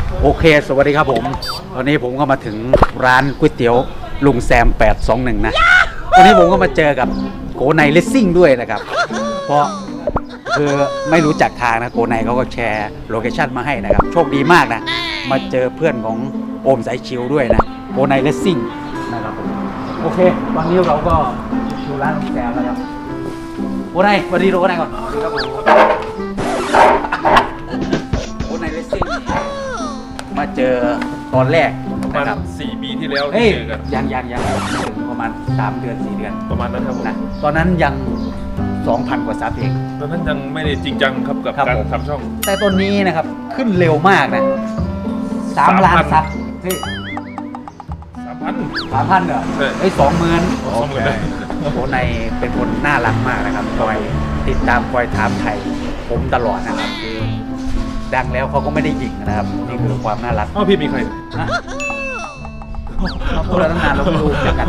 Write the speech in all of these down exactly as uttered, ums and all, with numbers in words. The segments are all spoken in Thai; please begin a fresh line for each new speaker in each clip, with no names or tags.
โอเคสวัสดีครับผมตอนนี้ผมก็มาถึงร้านก๋วยเตี๋ยวลุงแซมแปดสองหนึ่งนะตอนนี้ผมก็มาเจอกับโกไนเลสซิ่งด้วยนะครับเพราะคือไม่รู้จักทางนะโกไนเขาก็แชร์โลเคชั่นมาให้นะครับโชคดีมากนะมาเจอเพื่อนของโอมสายชิวด้วยนะโกไนเลสซิ่งนะครับผมโอเคตอนนี้เราก็อยู่ร้านลุงแซมแล้วครับโกไนสวัสดีโกไนก่อนสวัสดีครับผมโกไนเลสซิ่งมาเจอตอนแรก
ประมาณ
นะครับ
สี่ปีที่แล้ว
เฮ้ย
เจอกัน
ยังยังยังถึงประมาณสามเดือนสี่เดือน
ประมาณนั้นครับผม
นะตอนนั้นยัง สองพัน กว่าซับเอง
ตอนนั้นยังไม่ได้จริงจังครับกับ
ครับ
การ
ผม
ทำช่อง
แต่ตอนนี้นะครับขึ้นเร็วมากนะสามล้านซับเฮ้ย
สามพัน
สามพันเหรอ
ใช่
เฮ้ยสองหมื่น
สองหมื่น
โอ้ในเป็นคนน่ารักมากนะครับคอยติดตามคอยถามไทยผมตลอดนะครับคือดังแล้วเขาก็ไม่ได้หยิ่งนะครับนี่คือความน่ารัก
อ้าวพี่มีใคร
ฮะมาพูดแล้วตั้งนานเราไม่รู้จักกัน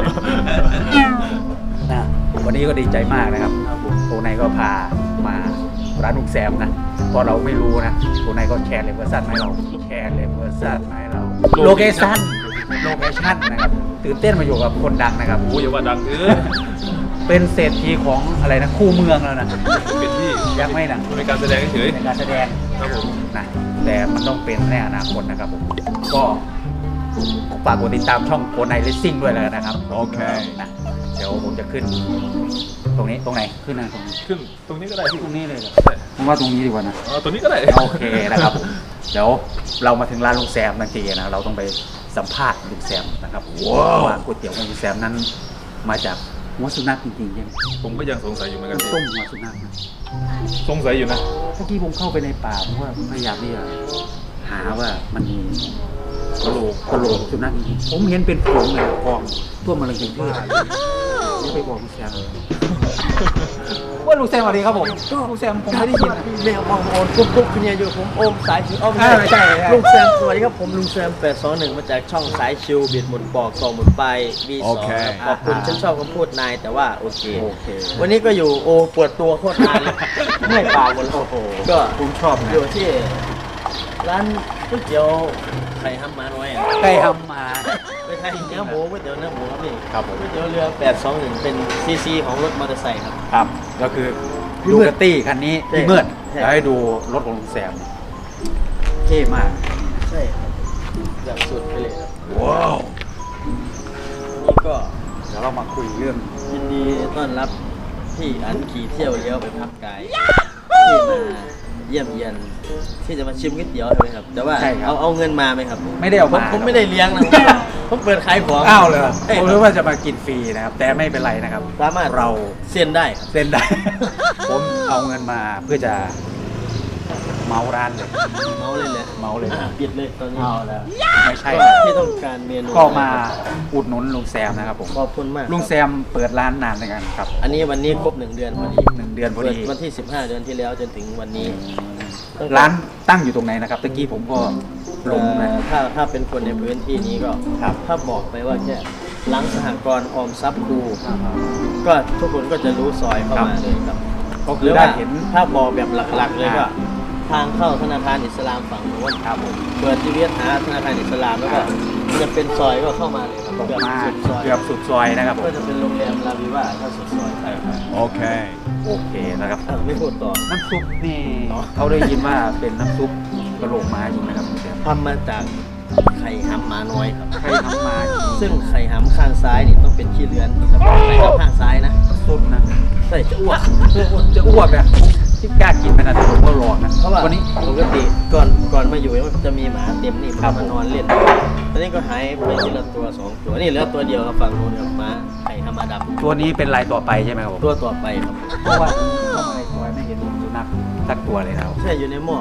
นะวันนี้ก็ดีใจมากนะครับโตไนก็พามาร้านลุงแซมนะเพราะเราไม่รู้นะโตไนก็แชร์เลเวอร์ซันมาให้เราแชร์เลเวอร์ซันมาให้เราโลเคชั่นโลเคชั่นนะครับตื่นเต้นมาอยู่กับคนดังนะครับ
โอ้ยอย่าว่าดังเออ
เป็นเศรษฐีของอะไรนะคู่เมืองแล้วนะ
เป็นที่
ยังไม่นะ
ในการแสดงเฉย
ในการแสดง
ครับผม
นะแต่มันต้องเป็นในอนาคตนะครับผมก็ฝากกดติดตามช่องโกไนเลสซิ่งด้วยแล้วกันนะครับโอเคนะเดี๋ยวผมจะขึ้น ตรงนี้ตรงไหนขึ้นนะตรงนี้
ขึ้นตรงนี้ก็ได้พี่
ตรงนี้เลยเหรอ
ใช่
ผมว่าตรงนี้ดีกว่านะ
อ๋อตรงนี้ก็ได้
โอเคนะครับผมเดี๋ยวเรามาถึงร้านลุงแซมทันทีนะเราต้องไปสัมภาษณ์ลุงแซมนะครับว่าก๋วยเตี๋ยวของลุงแซมนั้นมาจากหัวสุนัขจริงๆใช่ไหม
ผมก็ยังสงสัยอยู่เหมือนกัน
ต้มหัวสุนัขนะ
สงสัยอยู่นะ
เมื่อกี้ผมเข้าไปในป่าผมก็พยายามที่จะหาว่ามันมี
กะโหลก
กระโหลกสุนัขจริงๆผมเห็นเป็นฝูงเลยกองทั่วมาเลยจริงๆนี่ไปบอกลุงแซมว่าลุงแซมสวัสดีครับผมลุงแซมผมไม่ได้ยินนะ
เรียกว่าโอนปุ๊บปุ๊บคุณเนี่ยอยู่ผมโอมสายชิวอ้อม
อ่าใช่ใช่
ลุงแซมสวัสดีครับผมลุงแซมแปดสองหนึ่งมาจากช่องสายชิวบิดหมุนปอกต่อหมุนไป วี สอง ขอบคุณฉันชอบคำพูดนายแต่ว่าโอเค
โอเค
วันนี้ก็อยู่โอปวดตัวโคตรนานเลยเมื่อยปากหมดเลยโอ้โหก็
ผมชอบนะ
อยู่ที่ร้านก๋วยเตี๋ยวไข่ห้ำมาน้อยอ่ะ
ใกล้ทำมา
ไม่ใช่เนื้อหมูก๋วยเตี๋ยวเนื้อหมูครับพี่
ครับผม
ก๋วยเตี๋ยวเรือแปดสองหนึ่งเป็นซีซีของรถมอเตอร์ไซค์ครับ
ครับก็คือ
พี่
ดู
มืด
กระตี้คันนี้
ใช่
พี่เมืด
ใช่
แล้วให้ดูรถของลุงแซมเท่มาก
ใช่ครับแบบสุดไปเลยครับ
ว้าว
นี่ก็
เดี๋ยวเรามาคุยเรื่อง
ยินดีต้อนรับพี่อันขี่เที่ยวเลี้ยวไปพักกายที่มาเยี่ยมเยียนที่จะมาชิมก๋วยเตี๋ยวใช่ไหมครับ แต่ว่า
ใช่ครับ
เอาเอาเงินมาไหมครับ
ไม่ได้เอา
ผม
มา
ผมไม่ได้เลี้ยงนะผมผมเปิดขายของ
อ้าวเลย
ใช่
ผม
ค
รู้
รับ
ว่าจะมากินฟรีนะครับ แต่ไม่เป็นไรนะครับ
สามารถ
เรา
เซ็นได้ครับ
เส้นได้ ผมเอาเงินมาเพื่อจะเมาร้านเลย
เมาเลยแหละ
เมาเลย
อ่ะปิดเลยตอนนี้
เอาแล้วไม่ใช่
ก็ที่ต้องการเมนู
ก็มาอุดหนุนลุงแซมนะครับผม
ขอบคุณมาก
ลุงแซมเปิดร้านนานในกันครับ
อันนี้วันนี้ครบหนึ่งเดือนพอดี
หนึ่งเดือนพอ
เปิด
ดี
วันที่สิบห้าเดือนที่แล้วจนถึงวันนี้ตั้งแต่
ร้านตั้งอยู่ตรงไหนนะครับตะกี้ผมก็หลงนะ
เอ่อถ้าถ้าเป็นคนในพื้นที่นี้ก็
ครับ
ถ้าบอกไปว่าแค่หลังสหกรณ์ออมทรัพย์ครูก็ทุกคนก็จะรู้ซอยเข้ามาเลยครับ
ก็
ห
คื
รือ อ
ได้
ว่า
เห็น
ถ้าบอกแบบหลักๆเลยก็
อ่า
ทางเข้าธนาคารอิสลามฝั่งโน้น
ครับผม
เปิดที่เวียดหาธนาคารอิสลามแล้วก็
อ่า
จะเป็นซอยก็เข้ามาเลยครับ
ตรง
เกือบ
มา
สุดซอย
เกือบสุดซอยนะครับผม
ก็จะเป็นโรงแรมลาวิว่าถ้าสุดซอยใช่ครับ
โอเคนะครับ
อ่ะไม่พูดต่อ
น้ำซุปนี่เขาได้ยินว่าเป็นน้ำซุปกระโหลกม้าจริงนะครับลุงแซม
ทำมาจากไข่หำมาน้อยครับ
ใครทำมาจริง
ซึ่งไข่หำข้างซ้ายนี่ต้องเป็นขี้เลือนเฉพาะไข่หำข้างซ้ายนะ
สุดนะ
ใช่จะอ้วก
จะอ้วกเนี่ยที่กล้ากินไปนะแต่ผมก็รอนะ
เพราะว่า
วันนี้
ปกติก่อนก่อนมาอยู่มันจะมีหมาเต็มนี่
ครั
มั
บ
นมานอนเล่นตอนนี้ก็หายไปทีละตัวสองตัวนี่เหลือตัวเดียวครับฝั่งนู้นครับหมาไข่ธรรมดา
ตัวนี้เป็นลายต่อไปใช่ไหมครับผม
ตัวต่อไปครับ
เพราะว่าเข้ามาในซอยไม่เห็นสุนัขสักตัวเลยนะครับ
ใช่อยู่ในหม้อ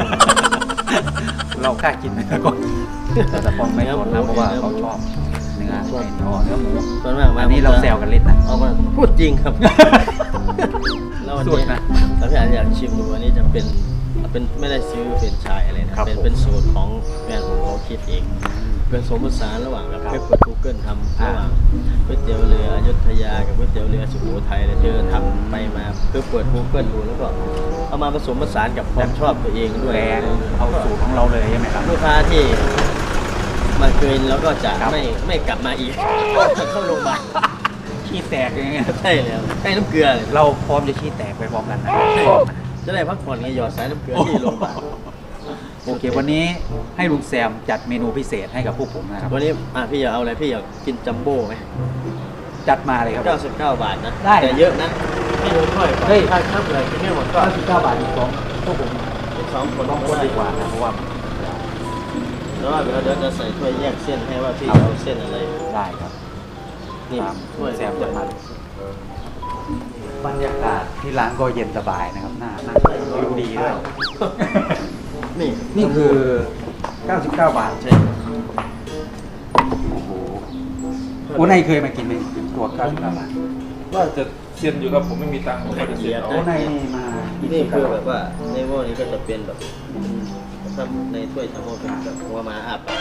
เรากล้ากินไหมก่อนแต่ผมไม่สนนะเพราะว่าเขาชอบเนื้อเนื้อเนื้อหมู
ส่วนมากมา
อันนี้เราแซวกันเล่นนะ
เอามาพูดจริงครับ แล้ววัน
สุด
นี้
นะ
ถ้าพี่อ่านอยากชิมดูวันนี้จะเป็นเป็นไม่ได้ซื้อเป็นไชายอะไรนะครับ เป็น
ผม
เป็นสูตรของแฟนผมเขาคิดเองผสมผสานระหว่างกับเพื่อเปิด Google ทำระหว่างก๋วยเตี๋ยวเรืออยุธยากับก๋วยเตี๋ยวเรือสุโขทัยเลยเธอทำไปมาเพื่อเปิด Google ดูแล้วก็เอามาผสมผสานกับความชอบตัวเองด้วย
แปลงเอาสูตรของเราเลยใช่ไหมครับ
ลูกค้าที่มาเกินแล้วก็จะ
ครับ
ไม่ไม่กลับมาอีก เข้าโรงพยาบาล
ขี้แตกอย่างเงี้ย
ใช่แล้วใช้น้ำเกลือเลย
เราพร้อมจะขี้แตกไปพร้อมกันนะ
จะได้พักผ่อนไงหยอดสายน้ำเกลือที่โรงพยาบาล
โอเค วันนี้ให้ลุงแซมจัดเมนูพิเศษให้กับพวกผมนะครับ
วันนี้อ่ะพี่อยากเอาอะไรพี่อยากกินจัมโบ้ไหม
จัดมาเลยครับ
เก้าสิบเก้าบาทนะ
ได้
แต่เยอะนะไม่รู้ค่อย
เฮ้ย
ถ้าถ้าอะไรกินไม่หมดก็
เก้าสิบเก้าบาทอีกสองพวกผม
อีกสองคน
ต้องคนดีกว่านะเพราะว่า
แล้วว่าเดี๋ยวเดี๋ยวจะใส่ถ้วยแยกเส้นให้ว่าพี่
ครับ
เอาเส้นอะไร
ได้ครับ
นี่
ตาม
ถ้วย
แซมจัดมาเลยบรรยากาศที่ร้านก็เย็นสบายนะครับน่านั่งวิวดีด้วย
นี่
นี่คือ เก้าสิบเก้า บาท
ใช่
โอ้โหโอ้นายเคยมากินไหมตัวเก้าสิบเก้าบาท
ว่าจะเซียนอยู่ครับผมไม่มีตังค์ผมก็จะเซียนเอา
โอ้นายนี่มากิ
นี่คือแบบว่าในหม้อนี้ก็จะเป็นแบบถ้าในถ้วยจัมโบ้เป็นแบบหัวหมาอาบ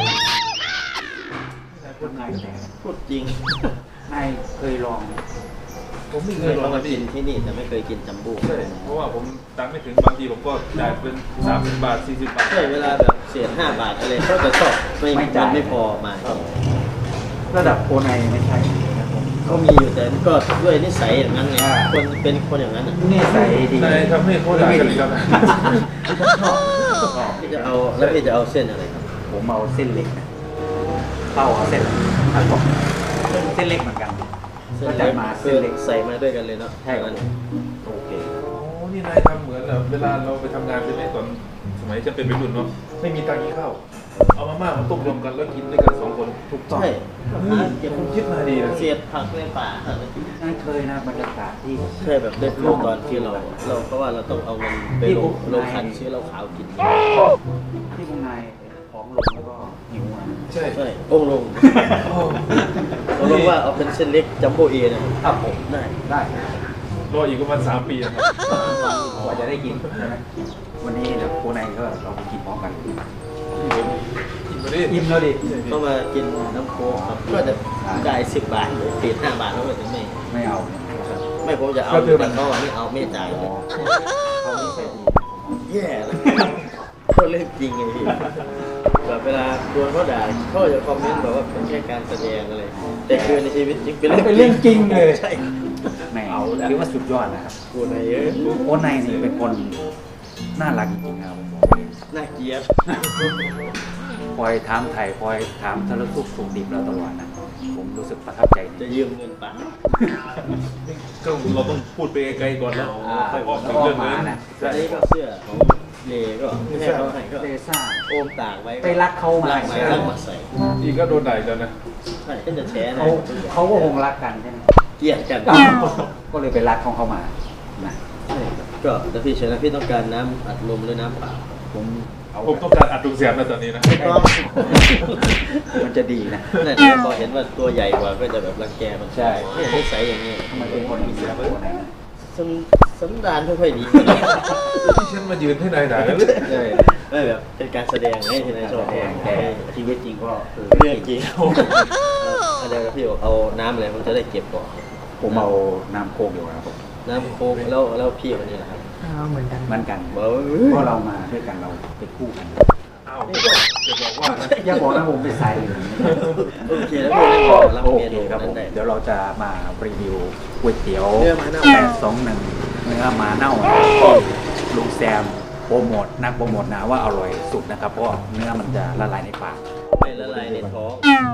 พูดนายแต่
พูดจริง
นายเคยลอง
ผมไม่
เค
เค
ย
ยล
ล
อ
อง ง
มา
มา
ดิ
กินที่นี่แต่ไม่เคยกินจัมโบ้
ใช่เพราะว่าผมตังค์ไม่ถึงบางทีผมก็จ่ายเป็นสามสิบบาทสี่สิบบาท
ใช่เวลาแบบเสียห้าบาทอะไรเขาจะชอบไม่มันไม่พอมา
ระดับโคนายไม่ใช่ครับผม
ก็มีอยู่แต่ก็ด้วยนิสัยอย่างนั้นไง
อ่า
คนเป็นคนอย่างนั้นอ่ะ
นี่ใส่ดี
นายทำให้เขาด่ากันอีกแล้วนะ
ชอบพี่จะเอาแล้วพี่จะเอาเส้นอะไรครับ
ผมเอาเส้นเล็กนะเข้าเอาเส้นผัดผมเส้นเล็กเหมือนกัน ก็จัดมาเส้นเล็ก
ใส่มาด้วยกันเลยเนาะ
ใช่ครับ
งั้น
โอเค
โอ้นี่นายทำเหมือนแบบเวลาเราไปทำงานใช่ไหมตอนสมัยจะเป็นวัยรุ่นเนาะไม่มีตังค์กินข้าวเอามาม่ามาต้มรวมกันแล้วกินด้วยกันสองคนถูกต้อง
ใช่
นี่คุณคิดมาดีนะ
เสียดผักในป่า
นั่นเคยนะบรรยากาศที่
ใช่แบบได้ฟิลตอนที่เราเราเพราะว่าเราต้องเอาเงินไปลงลงขันซื้อเหล้าขาวกิน
ที่คุณนายท้องลงแล้วก็หิวอ่ะ
ใช่
ใช่องค์ลง
โอ้
องค์ลงว่าเอาเป็นเส้นเล็กจัมโบ้เอนะ
ครับผม
ได้
ได้
รออีกประมาณสามปีนะครับ
กว่าจะได้กินใช่ไหมวันนี้เดี๋ยวโคนายก็เราไปกินพร้อมกัน
กินมาดิ
อิ่มแล้วดิ
ก็มากินน้ำโค้กครับก็จะจ่ายสิบบาทหรือติดห้าบาทแล้วก็จะไม่
ไม่เอา
ไม่ผมจะเอา
ก็คือมั
แต่
น
เขาอะไม่เอาไม่จ่ายเลย
เขาไม่ใส่ดี
แย่เลยก็เรื่องจริงไงพี่แบบเวลาโดนเขาด่าเขาจะคอมเมนต์แบบว่าเป็นแค่การแสดงอะไรแต่คือในชีวิตจริงเป็นเรื่อง
เป็นเรื่องจริงเลย
ใช่
แหมคิดว่าสุดยอดนะครับ
กูในเอ้ย
โคนายนี่เป็นคนน่ารักจริงๆครับผมบอกเลย
น่าเกลียด
คอยถามไถ่คอยถามสารทุกข์สุขดิบเราตลอดนะผมรู้สึกประทับใจ
จะยืมเงินป่า
ก็เราต้องพูดไปไกลๆก่อนแล้ว
อ่า
ค่อยออก
แล้
ถึ
ว
ง
ก็
เรื่อง
มา
นั้น
นะ
อันนี้ก็เสื้อของเลก็ไม่ให้เขาให้ก็
เดซ่า
โอมตากไว้
ไปรักเขามา
รักมารักมาใส่
อีกก็โดนด่าอีกแล้วนะ
ใช่ก็จะแชร์นะ
เขาเขาก็คงรักกันใช่ไหม
เกลียดกัน
ก็เลยไปรักของเขามานะ
ใช่ครับก็แล้วพี่เชนะพี่ต้องการน้ำอัดลมหรือน้ำเปล่า
ผมเอา
ผมต้องการอัดดุงเสียงนะตอนนี้นะ
ต้อง
มันจะดีนะ
นั่นแหละพอเห็นว่าตัวใหญ่กว่าก็จะแบบรังแกมัน
ใช่
เนี่ยนิสัยอย่างนี้
ทำไมเป็นคนอย่างนี้ครับคนไหนนะ
สันสันดานไม่ค่อยดี
ที่ฉันมายืนให้นายด่ากันเลย
ใช่
ไม่แบบเป็นการแสดงให้ที่นายชอบ
แดงแต่ชีวิตจริงก็คือ
เรื่องจริงเอาเดี๋ยวพี่บอกเอาน้ำอะไรผมจะได้เก็บก่อน
ผมเอาน้ำโคกอยู่ครับผม
น้ำโค้กแล้วแล้วพี่คนนี้นะครับ
เหมือนกันเหมือนกัน
บอกว่า
เพราะเรามาด้วยกันเราไปคู่กัน
อ้าวจะบอกว่านะ
อย่าบอกนะผมไปใส่เลย
โอเคแล้วพี่ได้บอกรับ
โอ
เม
เค
นู
ครับผ
นั้น
ม
ได้
เดี๋ยวเราจะมารีวิวก๋วยเตี๋ยว
เนื้อหมาเน่า
แปดสองหนึ่งเนื้อหมาเน่าที่ลุงแซมโปรโมทนักโปรโมทนะว่าอร่อยสุดนะครับเพราะว่าเนื้อมันจะละลายในปาก
ไม่ละลายในท้อง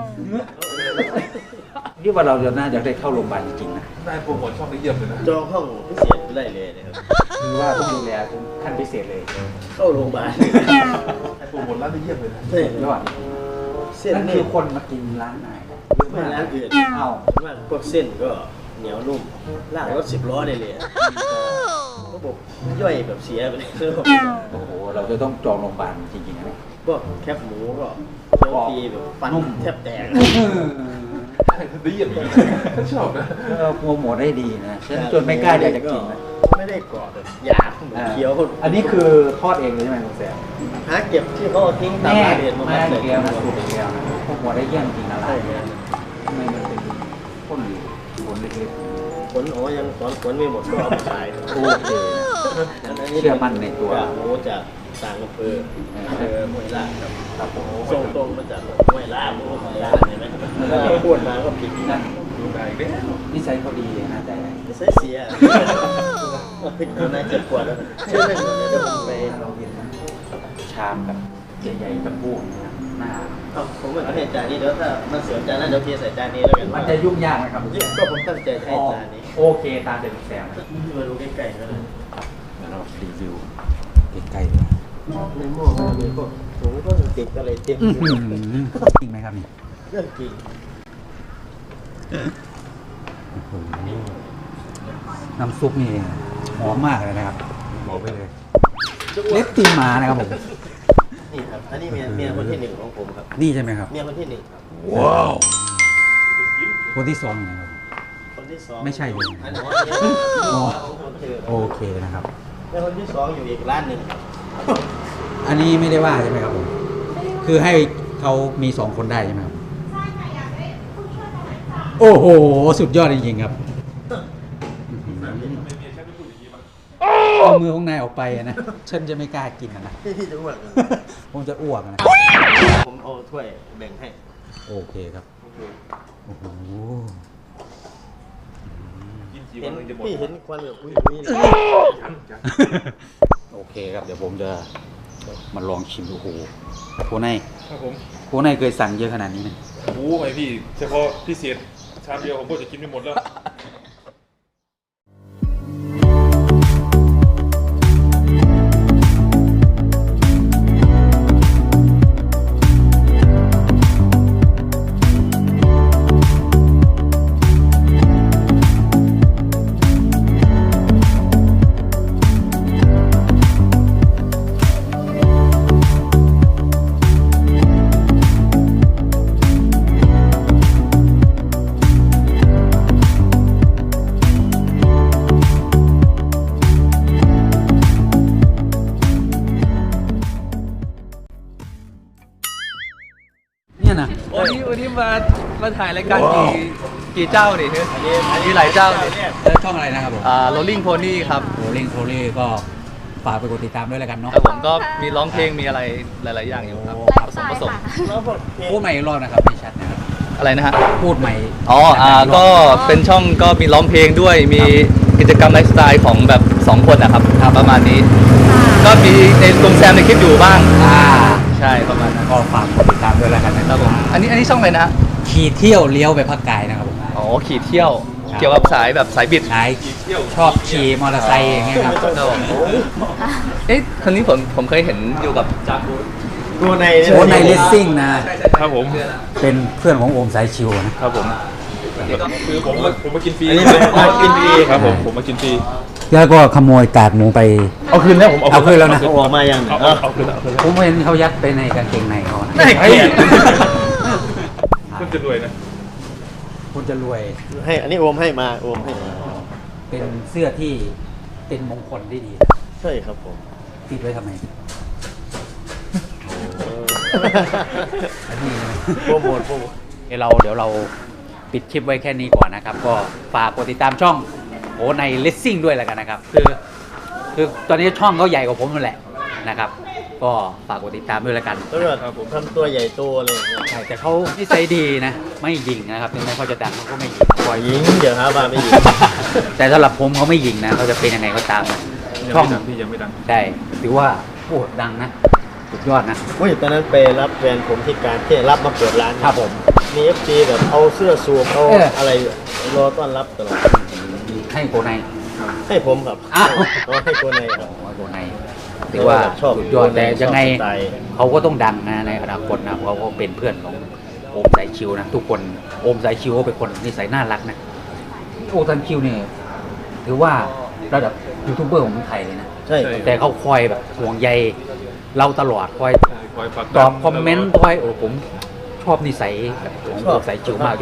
นี่ว่าเราจะน่าจะได้เข้าโรงพยาบาลจริงๆนะ
นายโปรโมทช่องนี้เยี่ยมเลยนะ
จองห้องพิเศษไม่ได้เลยนะครับ
คือว่าต้องดูแลขั้นพิเศษเลย
เข้าโรงพยาบาล
นายโปรโมทร้านนี้เยี่ยมเลยนะ
ใช่
ยอด
เส้น
นั่น
นี่
คือคนมากินร้านไหน
ไม่ร้านอื่น
เอ้า
มากพวกเส้นก็เหนียวนุ่มลากรถสิบล้อได้เลยอะระบบย่อยแบบเสียไปเลย
โอ้โหเราจะต้องจองโรงพยาบาลจริงๆนะ
พวกแคบหมูก็เคี้ยวทีแบบฟันแทบแตก
ดีอย่างนี้ฉันชอบนะ
เออโปรโมทได้ดีนะฉันจนไม่กล้าอยากจะกินนะ
ไม่ได้กรอบแบบหยาบเหมือนเคี้ยว
อันนี้คือทอดเองเลยใช่ไหมคุณแซม
หาเก็บที่เขาเอาทิ้งตาม
แน่
ร้านเรียนมา
มา
ใส่
อีกแล้วนะสูตรอีกแล้วนะโปรโมทได้เยี่ยมจริงนะร้า
ใช่
น
ไหม
เนี่ยทำไมมันเป็นข้นผลเล็ก
ผลอ๋อยังสอนผลไม่หมดก็เอามาขาย
ๆโอเคเชื่อมั่นในตัว
จากหมูจากต่างอำเภออำเภอห้วยลาดครับ
ครับผม
ส่งตรงมาจากห้วยลาดหมูห้วยลาดเห็นไหมแล้วก็พูดมาก็ผิด
นั่น
ดูได้อีกแล้ว
นิสัยเขาดีน่าใจ
จะใส่เสียผิดคนไหนเจ็บปวดแล้วเชื่อเล่นเดี๋ยวผมไป
เราเห็นชามกับใหญ่ๆกับพูนนะครับหน้า
เอาผมเหมือนกับให้จานนี้เดี๋ยวถ้ามาเสียจานนั้นเดี๋ยวเทใส่จานนี้แล้วกัน
มันจะยุ่งยากไหมครับ
ก็ผมตั้งใจให้จานนี้
โอเคตามเดิมแซม
มาดูใกล้ๆก็เลย
เดี๋ยวเรารีวิวใกล้ๆเลย
ในหม้อมันมีพวกถุงก็ติดอะไรเต็ม
อื้อหือจริงไหมครับนี่
เรื่องจริง
โอ้โหน้ำซุปนี่หอมมากเลยนะครับบอกไปเลยเล็บตีนหมานะครับผม
นี่ครับอันนี้เมียเมียคนที่หนึ่งของผมครับ
นี่ใช่ไหมครับ
เมียคนที่หนึ่งครับ
ว้าวคนที่สองนะครับ
คนที่สอง
ไม่ใช่เลย
อันนี้
อ๋อ
คนที่
โอเคนะครับ
เมียคนที่สองอยู่อีกร้านหนึ่งครับ
อันนี้ไม่ได้ว่าใช่ไหมครับผมคือให้เขามีสองคนได้ใช่ไหมครับโอ้โหสุดยอดจริงๆครับเอามือของนายออกไปอะนะฉันจะไม่กล้ากินอะนะ
พี่พี่จะอ้วนเหรอ
ผมจะอ้วกอะนะ
ผมเอาถ้วยแบ่งให้
โอเคครับโอ้โห
กินกี่วั
เห็
น
น
ถึงจะหมด
พี่เห็นควันแบบอุ้ยอุ้ยเลย
ยังยัง
โอเคครับเดี๋ยวผมจะมาลองชิมดูโอ้โหโคไน
ครับผม
โคไนเคยสั่งเยอะขนาดนี้ไหม
โอ้ไหมพี่เฉพาะพิเศษชามเดียวผมก็จะกินไม่หมดแล้ว
เนี่ยนะ
วันนี้วันนี้มามาถ่ายรายการกี่กี่เจ้าดิ
อันนี้อัน
มีหลายเจ้าดิ
เออช่องอะไรนะครับผม
อ่า Rolling Pony ครับ
โรลิงโทรี่ก็ฝากไปกดติดตามด้วยแล้วกันเนาะ
ครับผมก็มีร้องเพลงมีอะไรหลาย ๆ อย่างอยู่ครับ
โอ้
ผสมผสม
แล้วพวกเพลง
พูดใหม่อีกรอบนะครับไม่ชัดนะครับ
อะไรนะฮะ
พูดใหม่
อ๋ออ่า
อีร
ก็
อบ
เป็นช่องก็มีร้องเพลงด้วยมีกิจกรรมไลฟ์สไตล์ของแบบสองคนนะครับประมาณนี้ ก็มีในลุงแซมในคลิปอยู่บ้าง
อ่า
ใช่ประมาณนั้น
ก็ฝากกดติดตามด้วยแล้วกันนะ
ค
ค
รั
รั
บบ ผมอันนี้อันนี้ช่องอะไรนะฮะ
ขี่เที่ยวเลี้ยวไปภาคกายนะครับผม
อ๋อขี่เที่ยว
ครับ
เกี่ยวกับสายแบบสายบิด
นายชอบขี่มอเตอร์ไซค์อย่างเงี้ยครับ
ครับผมเอ๊ะคนนี้ผมผมเคยเห็นอยู่กับจาก
ตัวใน
โอ้ในเลสซิ่งนะ
ครับผม
เป็นเพื่อนของโอมสายชิวนะครับ
ผมคือผมมาผมมากินฟรี
อันนี้เป็นมากินฟรี
ครับผมผมมากินฟรี
แล้วก็ขโมยกากหมูไป
เอาคืนแล้วผม
เอาคืนแล้วนะ
เอาออกมายัง
เอา
เอ
เอา
อ
เอาคืนแล้วเอาคืนแล้ว
ผมเห็นเขายัดไปในกางเกงในเขานะ
น่าเกลียด
คุณจะรวยนะ
คุณจะรวย
ให้อันนี้โอมให้มาโอมให้มา
เป็นเสื้อที่เป็นมงคลที่ดี
ใช่ครับผม
ติดไว้ทำไมอันนี้นะ
โปรโมทโปรโมท
เดี๋ยวเราเดี๋ยวเราปิดคลิปไว้แค่นี้ก่อนนะครับ ก็ฝากกดติดตามช่องโอในเลสซิ่งด้วยแล้วกันนะครับ คือคือตอนนี้ช่องเขาใหญ่กว่าผมนั่นแหละนะครับ ก็ฝากกดติดตามด้วยแล้วกัน
แล้วก็ผมทำตัวใหญ่โตเลยอย่างเงี้ย
ใช่แต่เขานิสัยดีนะ ไม่ยิงนะครับถึงแม้เขาจะดังเขาก็ไม่ยิงปล่อย
ยิงเดี๋ยวหาบ้าไม่ยิง
แต่สำหรับผมเขาไม่ยิงนะเขาจะเป็นยังไงก็ตามนะ
ยัง
ช่อง
ไม่ดังพี่ยังไม่ดัง
ใช่ถือว่าโอ้ดังนะสุดยอดนะ
อุ้ยตอนนั้นไปรับแฟนผมที่การที่รับมาเปิดร้าน
ครับผม
มีเอฟซีแบบเอาเสื้อสูบเอา
เอออ
อะไรรอต้อนรับตลอด
ให้โกใน
ให้ผมครับ
อ้าว
เอาให้ตัวในครับ
โกในถือว่า
ชอบ
สุดยอดแต่ยังไง
ชอบสไตล์
เขาก็ต้องดังนะในอนาคตนะเพราะเขาเป็นเพื่อนของโอมสายชิวนะทุกคนโอมสายชิวเขาเป็นคนนิสัยน่ารักนะโอมสายชิวเนี่ยถือว่าระดับยูทูบเบอร์ของเมืองไทยเลยนะ
ใช่
ใช่
แต่เขาคอยแบบห่วงใยเราตลอดคอย
คอยผลัก
ต
ดัน
อบคอมเมนต์คอยโอ้ผมชอบนิสัยแบบของโอมสายชิวมากจน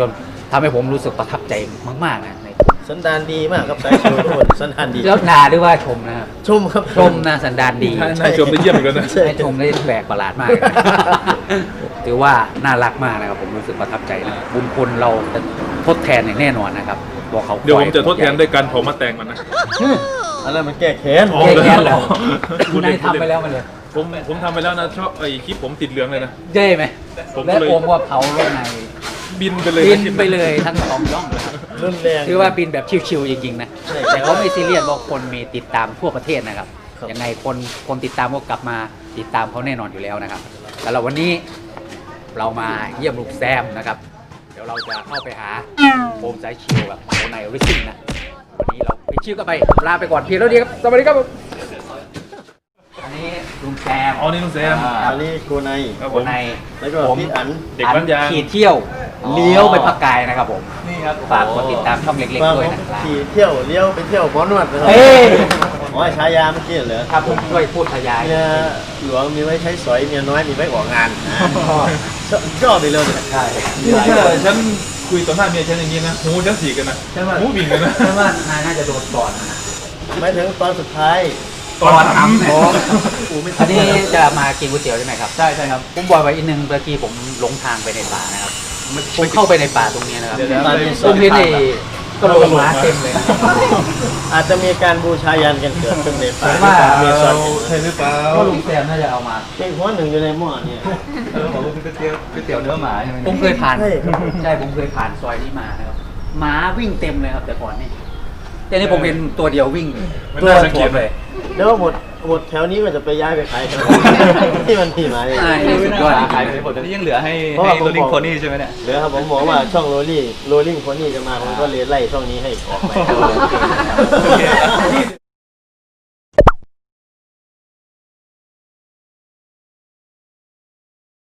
ทำให้ผมรู้สึกประทับใจมากๆนะใน
สันดานดีมากครับสายชิวทุกคนสันดานดี
แล้วนาหรือว่าชมนะครับ
ชมครับ
ชมนะสันดานดี
นายชมได้เยี่ยมเหมือนกันนะ
ให้ชมได้แปลกประหลาดมาก ถือว่าน่ารักมากนะครับผมรู้สึกประทับใจนะบุญคุณเราจะทดแทนอย่างแน่นอนนะครับบอกเขา
เดี๋ยวผมจะทดแทนด้วยการเผามาแตงมันนะ
อันนั้นมันแก้แค้น
อ๋อ
แย่แย่แล้ว
พู
คุณ
ดเล่
นาย
นพูด
ทำ
เล่น
ไปแล้วมันเลย
ผมผมทำไปแล้วนะชอบไอ้คลิปผมติดเหลืองเลยนะ
เย่ไหม
ผมก็
และ
เลย
โอมว่าเผารถใน
บินไปเลย
บิน
คลิป
ไปเลยทั้งสองย่องนะครับ
รุนแรง
ถือว่าบินแบบชิวๆจริงๆนะ
ใช่
แต่เขาไม่ซีเรียสว่าคนมีติดตามทั่วประเทศนะครับ
ครับ
ยังไงคนคนติดตามก็กลับมาติดตามเขาแน่นอนอยู่แล้วนะครับแล้วเราวันนี้เรามาเยี่ยมลูกแซมนะครับ เดี๋ยวเราจะเข้าไปหาโอมสายชิวแบบโอไนริซิ่งนะวันนี้เราไปชื่อกันไปลาไปก่อนเพียงเท่านี้ครับสวัสดีครับผมอันนี้ลุงแซม
อ๋อนี่ลุงแซม
อ่า
อันนี้โกไน
ครับผ
โอ
ม
ไน
แล้วก็
ผม
พี่อัน
เด็กบ้านยาง
ขี่เที่ยวเลี้ยวไปพักกายนะครับผม
นี่ครับ
ฝากกดติดตามช่องเล็ก
ว่า
ๆด้วย
ผม
นะครับ
ขี่เที่ยวเลี้ยวไปเที่ยวหมอนวดนะครั
เฮ้ย
อ๋อฉายาเมื่อกี้เหรอ
ครับผมช่วยพูดขยาย
เมียหลวงมีไว้ใช้สอยเมียน้อยมีไว้ออกงานนะชอบชอบไปเลยเนี่ย
ใช่
นี่ถ้าฉันคุยต่อหน้าเมียฉันอย่างนี้นะหูฉันสีกันนะ
ใช่ไหม
หูบิ่งกันนะ
ใช่ว่านายน่าจะโดนก่อนนะ
ไม่ถึงตอนสุดท้าย
ตอนทำเนี่ย
อันนี้จะมากินก๋วยเตี๋ยวใช่ไหมครับ ใช่ใช่ครับ ผมบอกไว้อีกหนึ่งเมื่อกี้ผมหลงทางไปในป่านะครับ ผมเข้าไปในป่าตรงนี้นะครับ
เดี๋ยวนะ
ตอนนี้
ผมเห็นไอ้กระโหลกหมาเต็มเลยนะ
อาจจะมีการบูชายันกันเกิดขึ้นในป่า
ผมว่า
เมซอน
ใช่หรือเปล่า
ก็ลุงแซมน่าจะเอามา
เป็นหัวหนึ่งอยู่ในหม้อเนี่ย
เออของก๋วยเตี๋ยวก๋วยเตี๋ยวเนื้อหมาใช่ไหม
ผมเคยผ่าน
ใช่ครับ
ใช่ผมเคยผ่านซอยนี้มานะครับหมาวิ่งเต็มเลยครับแต่ก่อนนี่แต่นี่ผมเห็นตัวเดียววิ่ง
มัน
ตัว
น่าสังเก
ถ่ว
ต
ม
เล
เลย ย
แล้วหมดหมดแถวนี้ก็จะไปย้ายไปขายแถวที่มันที่มาเนี่ย
ใช่
นี่ไม่น่าขายไปหมดแต่นี่ยังเหลือให้
เพราะ
ให้
ว่าผม
โรลลิง
บอก
โคนี่ใช่ไหมเนี่ย
เหลือครับผมบอกว่าช่องโรลลี่โรลลิ่งคนนี้จะมาผมก็เลยไล่ช่องนี้ให้ออกไป